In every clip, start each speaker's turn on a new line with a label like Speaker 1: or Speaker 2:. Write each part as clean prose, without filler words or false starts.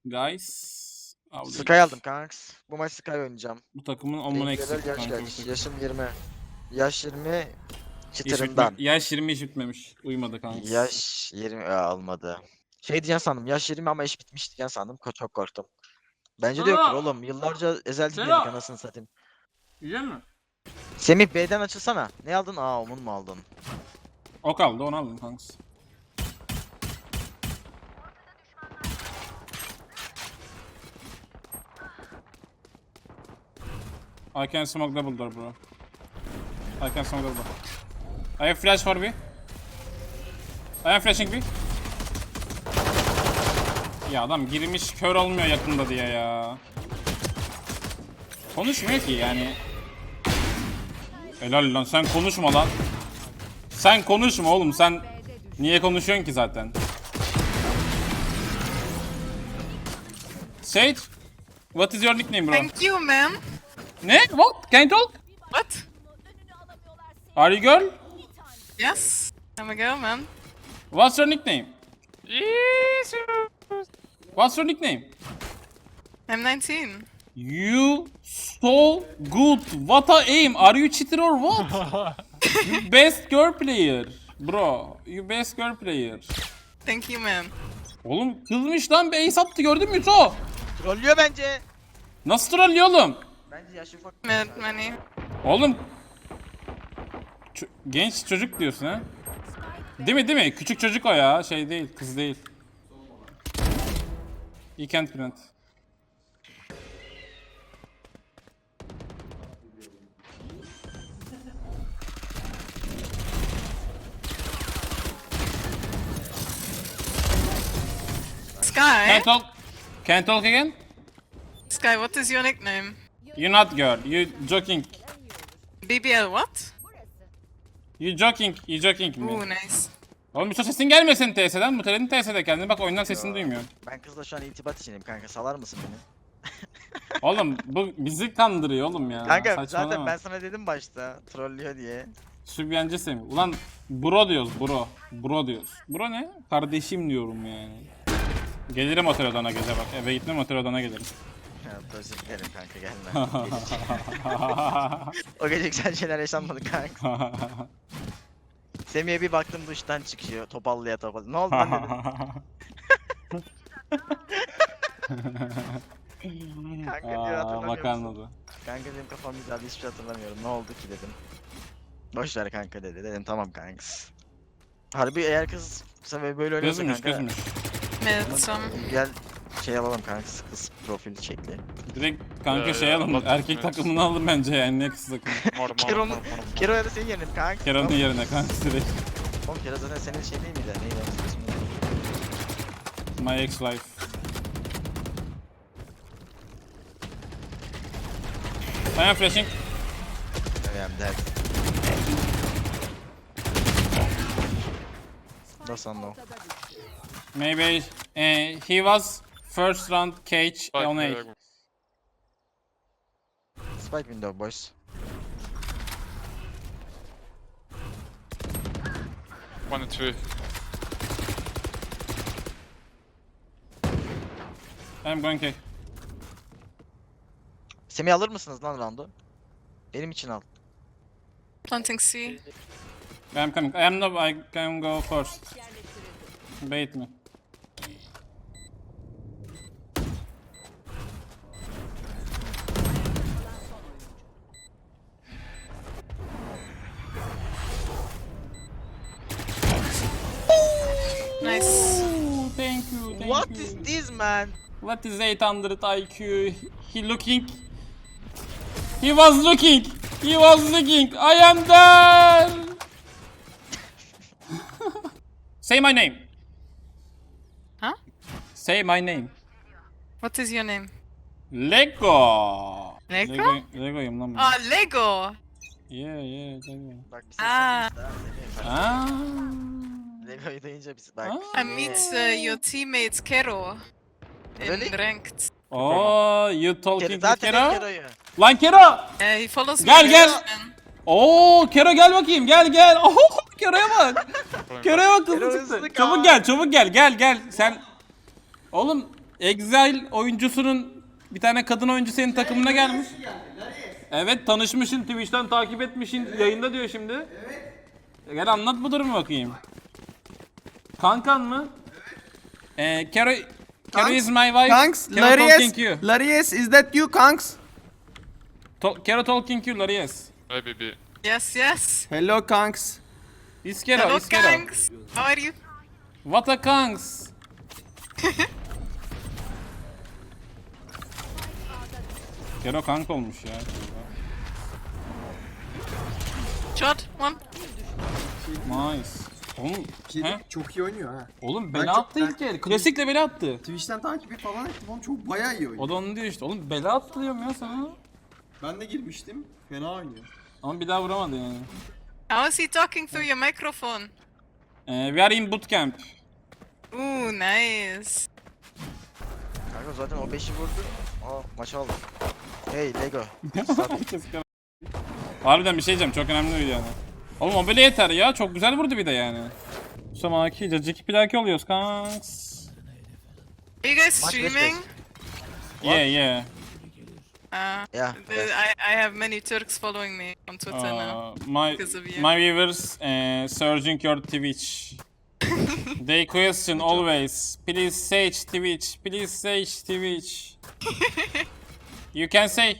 Speaker 1: Guys.
Speaker 2: Sky aldım kanks. Bu maç Sky oynayacağım.
Speaker 1: Bu takımın amına eksik
Speaker 2: Yaş
Speaker 1: kanka.
Speaker 2: kaç? Yaşım 20. Yaş 20 çıtırından.
Speaker 1: Yaş 20 iş bitmemiş. Uyumadı kanka.
Speaker 2: Yaş 20 almadı. Şey diyeceğim sandım. Yaş 20 ama iş bitmiş diyeceğim sandım. Çok korktum. Bence de yoktur oğlum. Yıllarca Ezel dinledik anasını satayım.
Speaker 1: Yiyecek mi?
Speaker 2: Semih B'den açılsana. Ne aldın? Aa Omun mu aldın?
Speaker 1: O kaldı, onu aldım kanka. I can smoke double door bro. I can smoke double door. I have flash for B. I am flashing B. Ya adam girmiş kör olmuyor yakında diye ya. Konuşmuyor ki yani. Helal lan, sen konuşma lan. Sen konuşma oğlum, sen niye konuşuyorsun ki zaten? Sage, what is your nickname bro?
Speaker 3: Thank you, man.
Speaker 1: Ne? What? Can you talk?
Speaker 3: What?
Speaker 1: Are you girl?
Speaker 3: Yes. I'm a girl, man.
Speaker 1: What's your nickname? What's your nickname?
Speaker 3: I'm 19.
Speaker 1: You so good. What a aim. Are you cheater or what? You best girl player. Bro, you best girl player.
Speaker 3: Thank you, man.
Speaker 1: Oğlum kızmış lan, bir ace attı, gördün mü Yuto?
Speaker 2: Trollüyor bence.
Speaker 1: Nasıl trollüyor oğlum?
Speaker 2: Bence yaş ufak.
Speaker 3: Mad money.
Speaker 1: Oğlum genç çocuk diyorsun ha? Değil mi, değil mi? Küçük çocuk o ya, şey değil, kız değil. You can't plant.
Speaker 3: Sky?
Speaker 1: Can't talk. Can't talk again?
Speaker 3: Sky, what is your nickname?
Speaker 1: You not girl. You joking.
Speaker 3: BBL what?
Speaker 1: You joking. You joking
Speaker 3: Ooh,
Speaker 1: mi?
Speaker 3: nice.
Speaker 1: Oğlum bir sesin gelmesin TS'den. Muteledin TS'de kendini. Bak oyundan sesini duymuyorum.
Speaker 2: Ben kızla şu an irtibat içindeyim kanka. Salar mısın beni?
Speaker 1: Oğlum bu bizi kandırıyor oğlum ya.
Speaker 2: Kanka
Speaker 1: Saçmalama.
Speaker 2: zaten ben sana dedim başta. Trollüyor diye.
Speaker 1: Sübyancı Semih. Ulan bro diyoruz, bro. Bro diyoruz. Bro ne? Kardeşim diyorum yani. Gelirim otel odana gece bak. Eve gitmem, otel odana gelirim.
Speaker 2: Ya özür dilerim kanka gelme. O gece güzel şeyler yaşanmadı kanka. Semih'e bir baktım duştan çıkıyor. Topallıya topallı. Ne oldu lan dedim. Kanka diyor
Speaker 1: Bak
Speaker 2: hatırlamıyor musun?
Speaker 1: anladı.
Speaker 2: Kanka benim kafam güzeldi hiçbir şey hatırlamıyorum. Ne oldu ki dedim. Boş ver kanka dedi. Dedim tamam kanks. Harbi eğer kız sen böyle oynuyorsa
Speaker 1: Gözmüş,
Speaker 2: kanka.
Speaker 1: gözmüş.
Speaker 3: Mid some.
Speaker 2: Gel şey alalım kanka kız profil şekli.
Speaker 1: Direkt kanka
Speaker 4: Ya,
Speaker 1: şey
Speaker 4: ya,
Speaker 1: alın.
Speaker 4: bak-
Speaker 1: Erkek
Speaker 4: evet.
Speaker 1: takımını alın bence yani, ne kız takımı.
Speaker 2: Kero'nun Kero'ya da senin yerine kanka.
Speaker 1: Kera'nın yerine kanka direkt.
Speaker 2: Oğlum Kero zaten senin şey değil miydi? Neydi onun ismi?
Speaker 1: My ex-wife. I am flashing.
Speaker 2: Önemli değil. That's on no.
Speaker 1: Maybe he was first round cage on A.
Speaker 2: Spike window boys.
Speaker 4: One and two.
Speaker 1: I'm going A.
Speaker 2: Semih alır mısınız lan roundu? Benim için al.
Speaker 3: Planting C.
Speaker 1: I'm coming. I am no. I can go first. Bait me.
Speaker 3: Nice.
Speaker 1: Ooh, thank you. Thank
Speaker 2: What
Speaker 1: you.
Speaker 2: is this man?
Speaker 1: What is 800 IQ? He looking. He was looking. He was looking. I am there. Say my name.
Speaker 3: Huh?
Speaker 1: Say my name.
Speaker 3: What is your name?
Speaker 1: Lego.
Speaker 3: Lego?
Speaker 1: Lego'yum lan ben.
Speaker 3: Ah, Lego.
Speaker 1: Yeah, Lego.
Speaker 2: Bak bir
Speaker 3: Aa.
Speaker 2: ses Semih.
Speaker 1: Ah.
Speaker 2: Lego'yu duyunca biz bak.
Speaker 1: Aa.
Speaker 3: I meet your teammate Kero. In
Speaker 2: Really?
Speaker 3: ranked.
Speaker 1: Oh, you talking to
Speaker 2: Zaten
Speaker 1: Kero?
Speaker 2: Kero'yu.
Speaker 1: Lan Kero.
Speaker 3: He follows me.
Speaker 1: Gel, gel.
Speaker 3: man.
Speaker 1: Oo, Kero gel bakayım. Gel gel. Oh, Kero'ya bak. Kero'ya bak,
Speaker 2: Kero
Speaker 1: hızlı
Speaker 2: hızlı
Speaker 1: çıktı.
Speaker 2: kal.
Speaker 1: Çabuk gel, çabuk gel. Gel gel. Sen oğlum Exile oyuncusunun bir tane kadın oyuncu senin takımına gelmiş. Evet, tanışmışsın, Twitch'ten takip etmişsin, yayında diyor şimdi. Evet. Gel anlat bu durumu bakayım. Kankan mı? Kero is my wife.
Speaker 5: Kanks,
Speaker 1: Kero talking you.
Speaker 5: Larius, is that you, Kanks?
Speaker 1: Kero talking you, yes.
Speaker 4: Maybe B.
Speaker 3: Yes, yes.
Speaker 5: Hello, Kanks.
Speaker 1: Is Kero,
Speaker 3: Hello,
Speaker 1: is Kero.
Speaker 3: gangs. How are you?
Speaker 1: What a kanks. Kero kank olmuş ya.
Speaker 3: Shot, one.
Speaker 1: Nice. Oğlum, he?
Speaker 5: Çok iyi oynuyor ha.
Speaker 1: Oğlum
Speaker 5: Ben
Speaker 1: bela
Speaker 5: çok-
Speaker 1: attı
Speaker 5: ben-
Speaker 1: ilk el. Klasikle bela attı.
Speaker 5: Twitch'ten takibi falan ettim oğlum, çok bayağı iyi oynuyor.
Speaker 1: O da onu diyor işte. Oğlum bela attı diyorum ya sana.
Speaker 5: Ben de girmiştim, fena oynuyor.
Speaker 1: Ama bir daha vuramadı yani.
Speaker 3: How is he talking through your microphone?
Speaker 1: We are in bootcamp.
Speaker 3: Ooh, nice.
Speaker 2: Kanka zaten o 5'i vurdu. Aa maçı aldık. Hey Lego.
Speaker 1: Harbiden bir şey diyeceğim. Çok önemli bir yani. Oğlum o bile yeter ya. Çok güzel vurdu bir de yani. Samaki, cacık plaki oluyoruz kanks.
Speaker 3: Are you guys
Speaker 2: Maç beş
Speaker 3: streaming?
Speaker 1: Yeah.
Speaker 2: Yeah.
Speaker 3: I have many Turks following me on Twitter now.
Speaker 1: My
Speaker 3: Because of you.
Speaker 1: my viewers searching your Twitch. They question always. Please say Twitch. Please say Twitch. You can say.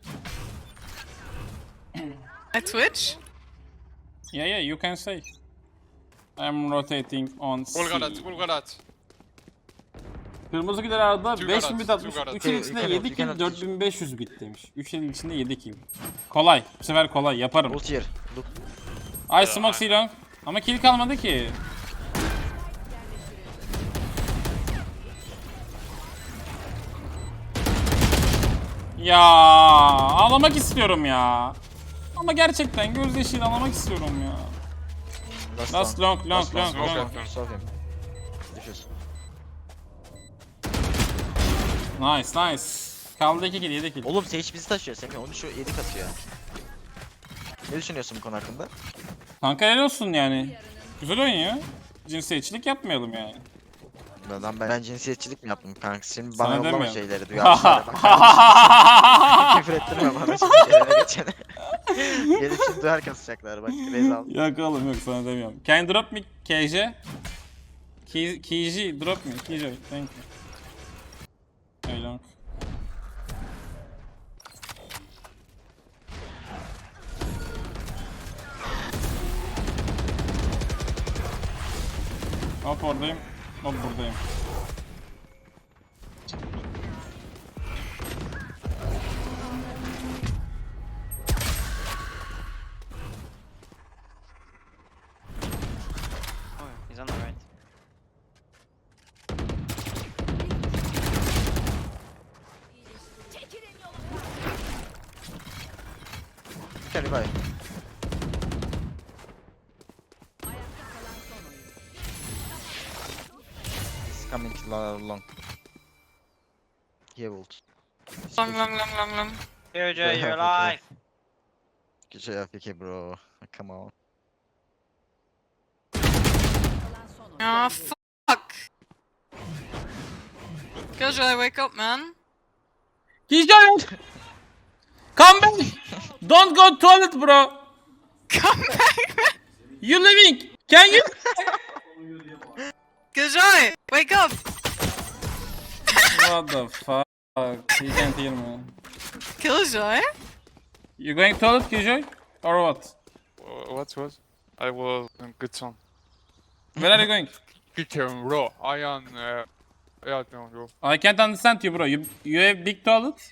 Speaker 3: At Twitch?
Speaker 1: Yeah, you can say. I'm rotating on C.
Speaker 4: Bulgarat.
Speaker 1: Kırmızı gider arada
Speaker 4: Two
Speaker 1: 5000
Speaker 4: Garats,
Speaker 1: bit atmış.
Speaker 4: two Garats.
Speaker 1: 3 el
Speaker 2: You
Speaker 1: içinde
Speaker 2: cannot,
Speaker 1: 7
Speaker 2: you
Speaker 1: kill,
Speaker 2: cannot.
Speaker 1: 4500 bit demiş. 3 el içinde 7 kill. Kolay. Bu sefer kolay. Yaparım.
Speaker 2: Ult here. Look.
Speaker 1: I smoke C-long. Ama kill kalmadı ki. Ya ağlamak istiyorum ya. Ama gerçekten gözyaşıyla ağlamak istiyorum ya. Last long.
Speaker 2: Solve him. Diffuse.
Speaker 1: Nice. Kaldı 2 kill, 7 kill.
Speaker 2: Oğlum Sage bizi taşıyor. Semih 13 7 katıyor. Ne düşünüyorsun bu konu hakkında?
Speaker 1: Kanka helal olsun yani. Güzel oyun ya. Cinsiyetçilik yapmayalım yani.
Speaker 2: Ben cinsiyetçilik mi yaptım kanka? Şimdi
Speaker 1: Sana
Speaker 2: bana yollama
Speaker 1: demiyorum.
Speaker 2: şeyleri duyarlar. Bak kardeşim. Küfür ettirme bana şimdi gelene geçene. Gelip şimdi duyar kasacaklar bak. Rezal.
Speaker 1: Yok oğlum yok, sana demiyorum. Can you drop me KJ? KJ drop me. KJ thank you. Hey long. Hop oradayım. Hop buradayım.
Speaker 6: He's on the right.
Speaker 2: Hadi bay. He's coming long. He ult.
Speaker 3: Long.
Speaker 6: Jojo, you're alive.
Speaker 2: Good job, AFK bro. Come on.
Speaker 3: Oh, fuck. Killjoy, wake up, man.
Speaker 1: KJ! Come back! Don't go toilet bro!
Speaker 3: Come back, man.
Speaker 1: You living? Can you?
Speaker 3: Killjoy, wake up.
Speaker 1: What the fuck? You can't hear me.
Speaker 3: Killjoy?
Speaker 1: You going toilet KJ? Or what?
Speaker 4: What? I will good song.
Speaker 1: Where are you going?
Speaker 4: Kicken raw. I am. Yeah, no, bro.
Speaker 1: I can't understand you bro. You have big toilet?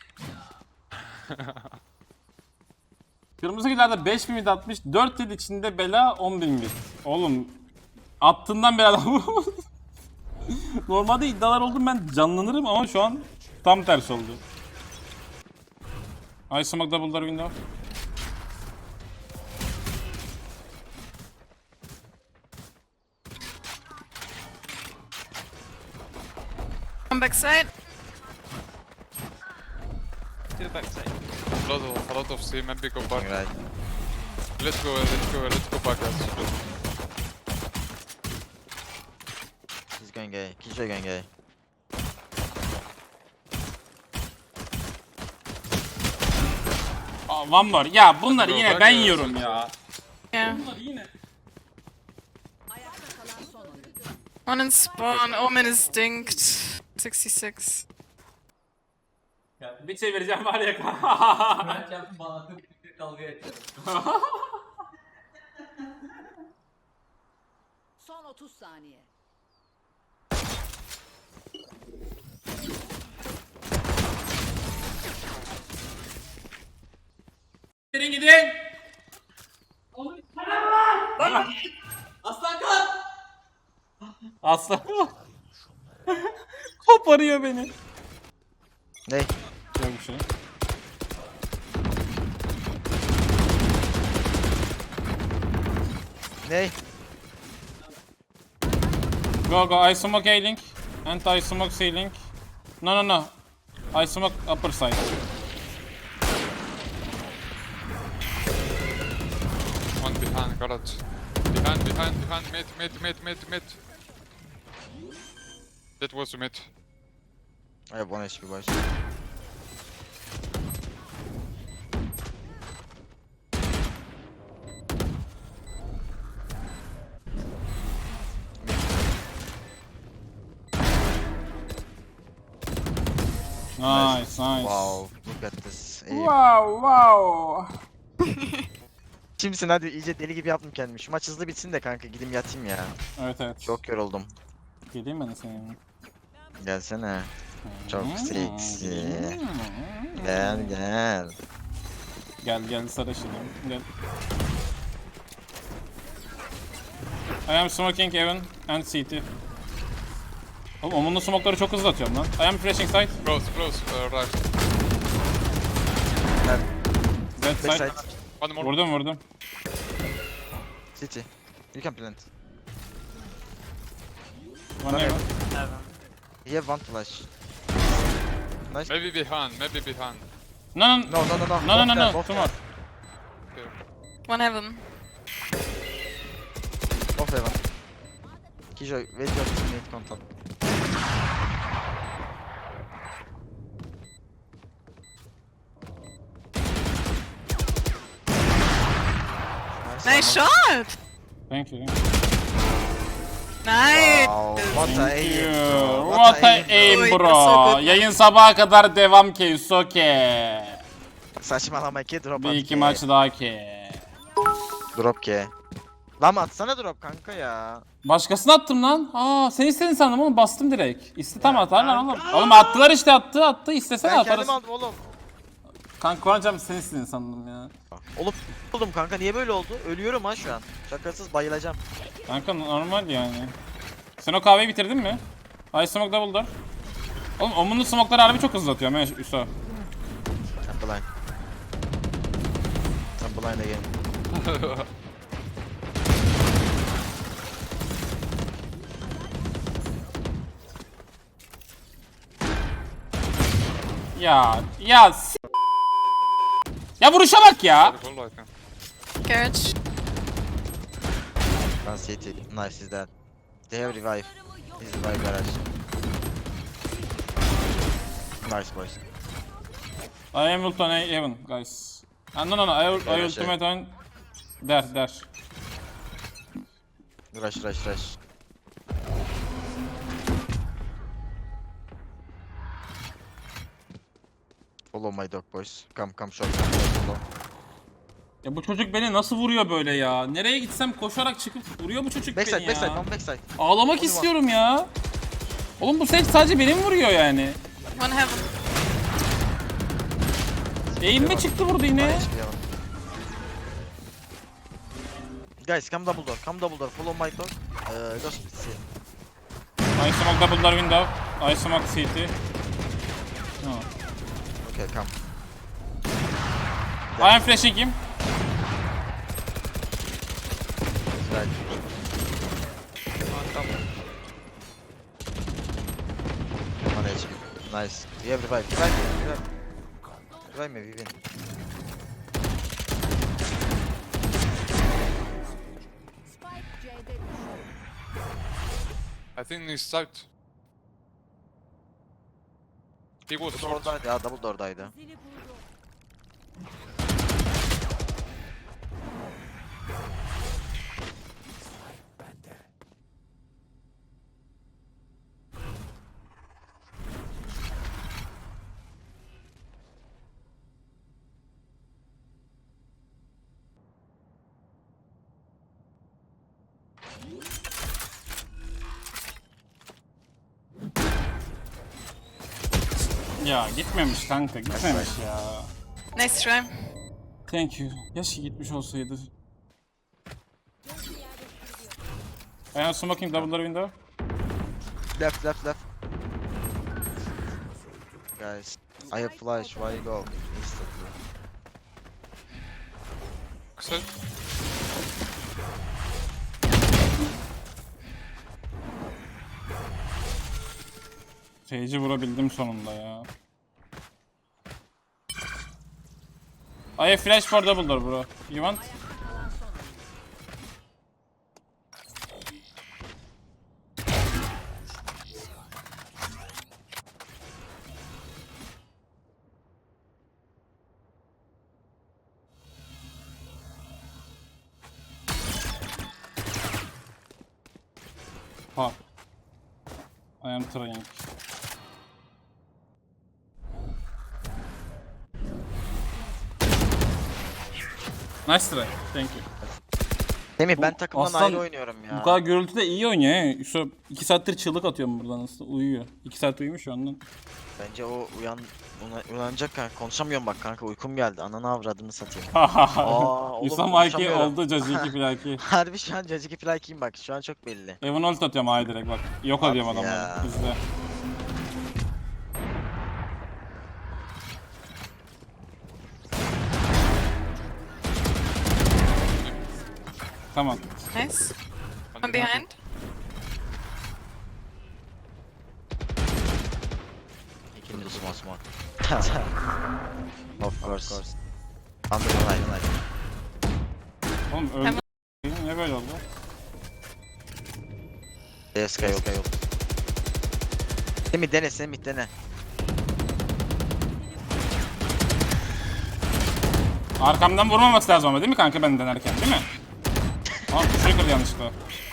Speaker 1: Kırmızı gillerde 5000 bit atmış. 4 yıl içinde bela 10.000 bit. Oğlum attığından beri adam normalde iddialar oldu, ben canlanırım ama şu an tam tersi oldu. I smoke double door window.
Speaker 3: Come backside.
Speaker 6: Two backside.
Speaker 4: A lot of C. Maybe go back.
Speaker 2: Right.
Speaker 4: Let's go back, guys.
Speaker 2: He's going gay. Killjoy going gay.
Speaker 1: one more. Ya bunları yine ben yiyorum ya.
Speaker 3: Yeah.
Speaker 1: Bunları yine.
Speaker 3: One in spawn. Omen is dinked. 66.
Speaker 1: Bir çevireceğim var ya.
Speaker 7: Ben çarptım bana dalga geçiyorum.
Speaker 8: Son 30 saniye.
Speaker 1: Gidin gidin.
Speaker 7: Aslan kalk!
Speaker 1: Aslan. Koparıyor beni.
Speaker 2: Ne?
Speaker 1: Yok bir şey.
Speaker 2: Ne?
Speaker 1: Go go, I smoke A link. And I smoke C link. No no no. I smoke upper side.
Speaker 4: One behind, garage. Behind, mid. That was a mid.
Speaker 2: I have 1 HP boys.
Speaker 1: Nice nice.
Speaker 2: Wow, look at this.
Speaker 1: Wow wow.
Speaker 2: Kimsin hadi iyice deli gibi yaptım kendimi. Şu maç hızlı bitsin de kanka gideyim yatayım ya.
Speaker 1: Evet evet.
Speaker 2: Çok yoruldum.
Speaker 1: Geleyim ben de senin yanına.
Speaker 2: Gelsene. Çok seksi. Gel gel.
Speaker 1: Gel gel sarışınım. Gel. I am smoking heaven and CT. Oğlum Omun'un smoke'ları çok hızlı atıyorum lan. I am flashing side.
Speaker 4: Close, right.
Speaker 1: Dead side.
Speaker 2: Backside.
Speaker 4: One more.
Speaker 1: Vurdum.
Speaker 2: City. You can plant.
Speaker 1: One heaven.
Speaker 6: Heaven.
Speaker 2: You have 1 flash. Nice.
Speaker 4: Maybe behind.
Speaker 1: No no
Speaker 2: No no no no.
Speaker 1: no no no
Speaker 2: Both there,
Speaker 1: no.
Speaker 2: both
Speaker 1: Two
Speaker 2: there.
Speaker 1: more.
Speaker 3: One heaven.
Speaker 2: Both heaven. Kijo, wait your teammate contact.
Speaker 3: Nice shot!
Speaker 1: Thank you.
Speaker 3: Nice!
Speaker 2: Wow, what a
Speaker 1: Thank
Speaker 2: aim,
Speaker 1: you.
Speaker 2: bro.
Speaker 1: What a
Speaker 2: aim,
Speaker 1: aim
Speaker 3: bro.
Speaker 1: bro.
Speaker 3: So good.
Speaker 1: Yayın sabaha kadar devam ki. Soke.
Speaker 2: bro. Saçmalama ki drop
Speaker 1: Bir
Speaker 2: at
Speaker 1: iki
Speaker 2: ki.
Speaker 1: maç daha ki.
Speaker 2: Drop ki. Lan atsana drop kanka ya.
Speaker 1: Başkasını attım lan. Aa sen istedin sandım oğlum bastım direkt. İste atarlar oğlum. Oğlum attılar işte attı. İstesene
Speaker 2: Ben
Speaker 1: atarız.
Speaker 2: kendim aldım oğlum.
Speaker 1: Kanka Kuan'cam sen istedin sandım ya.
Speaker 2: Oğlum kanka niye böyle oldu? Ölüyorum ha şu an. Şakasız bayılacağım.
Speaker 1: Kanka normal yani. Sen o kahveyi bitirdin mi? I smoke double door. Oğlum Omun'un smoke'ları harbi çok hızlı atıyor. Ben Üso.
Speaker 2: I'm blind. I'm blind again.
Speaker 1: Ya ya vuruşa bak ya.
Speaker 4: Careful, I think.
Speaker 3: Garage.
Speaker 2: One city. Nice, he's dead. They have revive. He's revive garage. Nice boys.
Speaker 1: I am ult on A heaven guys. No I ultimate on there.
Speaker 2: Rush. Follow my dog boys. Come short. Follow.
Speaker 1: Ya bu çocuk beni nasıl vuruyor böyle ya? Nereye gitsem koşarak çıkıp vuruyor bu çocuk beni ya.
Speaker 2: Backside, one backside.
Speaker 1: Ağlamak istiyorum ya. Oğlum bu set sadece benim vuruyor yani.
Speaker 3: One heaven.
Speaker 1: Eğilme çıktı vurdu yine.
Speaker 2: Nice, yeah. Guys, come double door, follow my dog. Go split C.
Speaker 1: I smoke double door window. I smoke CT. No.
Speaker 2: Okay, come.
Speaker 1: I am flashing him.
Speaker 2: Right. One HP. Nice. You have revive. Revive me, we win.
Speaker 8: Spike C'de düştü.
Speaker 4: I think he's out. He was short.
Speaker 2: Oradaydı ya, double door'daydı.
Speaker 8: Zili buldu.
Speaker 1: Ya gitmemiş kanka, gitmemiş ya.
Speaker 3: Nice try.
Speaker 1: Thank you. Keşke gitmiş olsaydı. I am smoking double door window.
Speaker 2: Left, left, left. Guys, I have flash. Why you go? Instantly.
Speaker 4: Kısa.
Speaker 1: Sage'i vurabildim sonunda ya. I have flash for double door bro. You want? Pop. I am trying. Nice try. Thank you.
Speaker 2: Semih ben takımdan
Speaker 1: aslan
Speaker 2: ayrı oynuyorum ya.
Speaker 1: Bu kadar gürültüde iyi oynuyor he. Yusuf 2 saattir çığlık atıyorum buradan aslında. Uyuyor. 2 saat uyumuş ondan.
Speaker 2: Bence o uyanacak kanka. Konuşamıyorum bak kanka, uykum geldi. Ananı avradını satayım. oğlum,
Speaker 1: Yusuf Mikey
Speaker 2: konuşamıyorum.
Speaker 1: oldu Caciki Plaki.
Speaker 2: Harbi şu an Caciki Fly'kiyim bak. Şu an çok belli.
Speaker 1: Evan ult atıyorum ay direkt bak. Yok
Speaker 2: Hadi
Speaker 1: ediyorum adamları.
Speaker 2: ya.
Speaker 1: İzle. Tamam.
Speaker 3: Nice. One behind.
Speaker 2: İkinci small. Of course. Under the line.
Speaker 1: Oğlum öldü. Niye böyle oldu?
Speaker 2: DSK yok. Semih dene.
Speaker 1: Arkamdan vurmaması lazım ama değil mi kanka ben denerken değil mi? Aa tuşu kırdı yanlışlıkla.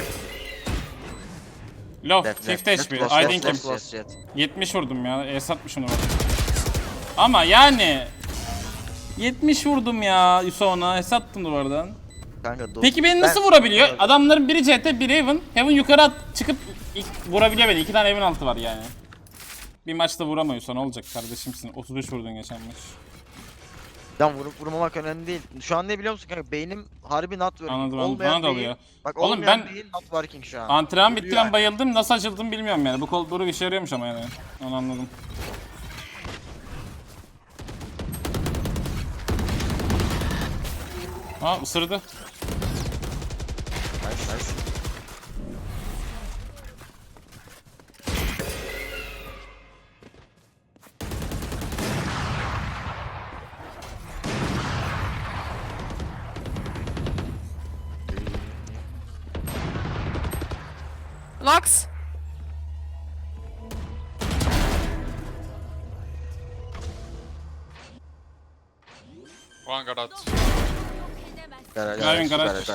Speaker 1: Low, 50 HP, I think him. 70 vurdum ya, S60'ını vurdum. Ama yani 70 vurdum ya Yusuf'a, S attım duvardan.
Speaker 2: Kanka,
Speaker 1: Peki beni nasıl vurabiliyor? Adamların biri CT, biri Heaven. Heaven yukarı çıkıp vurabiliyor beni. 2 tane Heaven altı var yani. Bir maçta vuramıyorsa ne olacak kardeşimsin? 33 vurdun geçen maç.
Speaker 2: Lan vurup vurmamak önemli değil. Şu an ne biliyor musun kanka? Beynim harbi not working.
Speaker 1: Anladım,
Speaker 2: Olmayan
Speaker 1: bana da
Speaker 2: beyin-
Speaker 1: oluyor.
Speaker 2: Bak
Speaker 1: Oğlum
Speaker 2: olmayan
Speaker 1: ben-
Speaker 2: beyin not working şu an.
Speaker 1: Antrenman bitti
Speaker 2: Vuruyor
Speaker 1: ben bayıldım. Nasıl açıldım bilmiyorum yani. Bu kol bir işe yarıyormuş ama yani. Onu anladım. Aa ısırdı.
Speaker 2: Nice.
Speaker 3: Locks.
Speaker 4: One garage.
Speaker 1: Driving garage.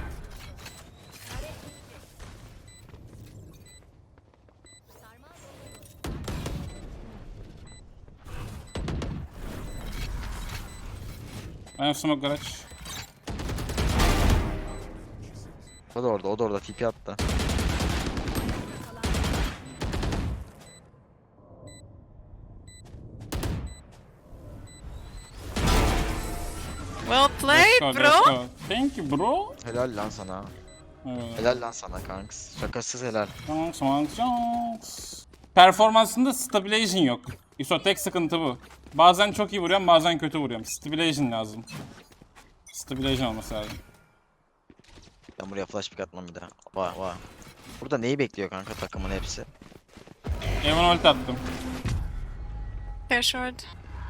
Speaker 1: I have smoke garage.
Speaker 2: O da orada TP attı.
Speaker 3: Well played,
Speaker 1: Let's
Speaker 3: bro.
Speaker 1: go. Thank you bro.
Speaker 2: Helal lan sana.
Speaker 1: Evet.
Speaker 2: Helal lan sana kanks. Şakasız helal.
Speaker 1: Performansında stabilization yok. ISO tek sıkıntı bu. Bazen çok iyi vuruyorum, bazen kötü vuruyorum. Stabilization lazım. Stabilization olması lazım.
Speaker 2: Ben buraya flash pick atmam bir daha. Vay. Burada neyi bekliyor kanka takımın hepsi?
Speaker 1: Evan ult attım.
Speaker 3: Fair short.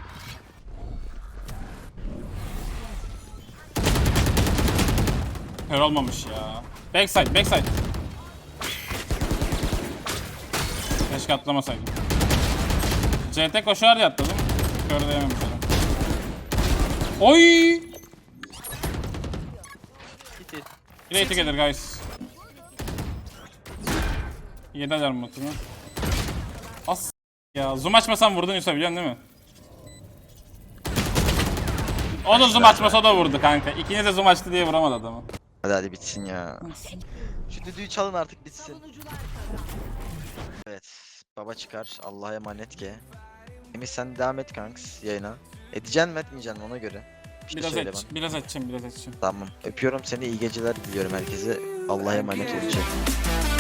Speaker 1: Kör olmamış ya. Backside. Keşke atlamasaydım. CT koşar diye atladım. Kör de yememiş adam. Oy! Play together guys. Yedi alarm mutunu. As ya zoom açmasam vurdun Yusuf biliyorsun değil mi? O da zoom açmasa o da vurdu kanka. İkiniz de zoom açtı diye vuramadı adamı.
Speaker 2: Hadi bitsin ya. Şu düdüğü çalın artık bitsin.
Speaker 8: Savunucular kazandı.
Speaker 2: Evet. Baba çıkar. Allah'a emanet ki. Emir sen devam et kanks yayına. Edeceksin mi etmeyeceksin mi ona göre. Bir şey söyle bana.
Speaker 1: Biraz açacağım, biraz açacağım.
Speaker 2: Tamam. Öpüyorum seni. İyi geceler diliyorum herkese. Allah'a emanet olun.